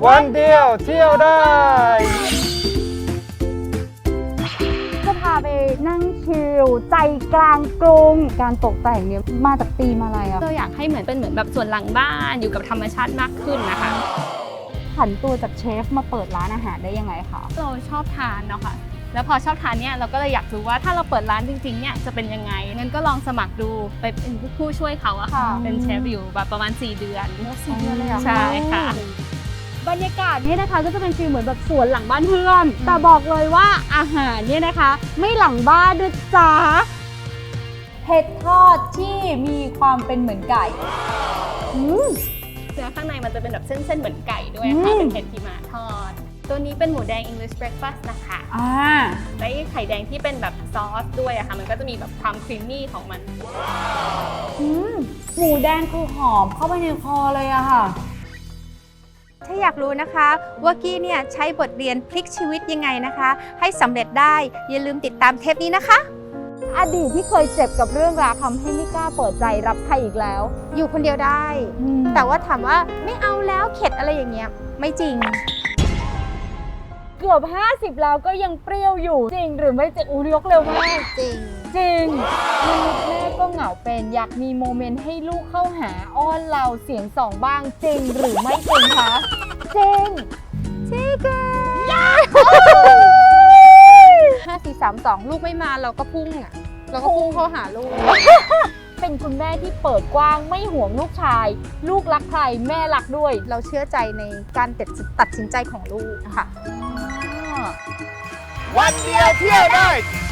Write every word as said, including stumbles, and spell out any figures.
วันเดียวเที่ยวได้จะพาไปนั่งชิลใจกลางกรุงการตกแต่งเนี่ยมาจากธีมอะไรอะเราอยากให้เหมือนเป็นเหมือนแบบส่วนหลังบ้านอยู่กับธรรมชาติมากขึ้นนะคะผันตัวจากเชฟมาเปิดร้านอาหารได้ยังไงคะเราชอบทานเนาะค่ะแล้วพอชอบทานเนี่ยเราก็เลยอยากรู้ว่าถ้าเราเปิดร้านจริงๆเนี่ยจะเป็นยังไงงั้นก็ลองสมัครดูไปเป็นผู้ช่วยเขาอะค่ะเป็นเชฟอยู่แบบประมาณสี่เดือนสี่เดือนเลยอะใช่ค่ะบรรยากาศนี่นะคะก็จะเป็นฟีลเหมือนแบบสวนหลังบ้านเพื่อนแต่บอกเลยว่าอาหารเนี่ยนะคะไม่หลังบ้านด้วยจ้าเห็ดทอดที่มีความเป็นเหมือนไก่เนื้อข้างในมันจะเป็นแบบเส้นๆเหมือนไก่ด้วยค่ะเป็นเห็ดที่มาทอดตัวนี้เป็นหมูแดง English breakfast นะคะอ่าและไข่แดงที่เป็นแบบซอสด้วยอะค่ะมันก็จะมีแบบความครีมมี่ของมันหมูแดงคือหอมเข้าไปในคอเลยอะค่ะถ้าอยากรู้นะคะว่ากี้เนี่ยใช้บทเรียนพลิกชีวิตยังไงนะคะให้สำเร็จได้อย่าลืมติดตามเทปนี้นะคะอดีตที่เคยเจ็บกับเรื่องราวทำให้ไม่กล้าเปิดใจรับใครอีกแล้วอยู่คนเดียวได้แต่ว่าถามว่าไม่เอาแล้วเข็ดอะไรอย่างเงี้ยไม่จริงเกือบห้าสิบแล้วก็ยังเปรี้ยวอยู่จริงหรือไม่จริงอุ้ยยกเร็วมากจริงจริงลูกแม่ก็เหงาเป็นอยากมีโมเมนต์ให้ลูกเข้าหาอ้อนเราเสียงสองบ้างจริงหรือไม่จริงคะจริงจริงห้าสี่สามสองลูกไม่มาเราก็พุ่งอ่ะเราก็พุ่งเข้าหาลูกเป็นคุณแม่ที่เปิดกว้างไม่ห่วงลูกชายลูกรักใครแม่รักด้วยเราเชื่อใจในการตัดสินใจของลูกค่ะวันเดียวเที่ยวได้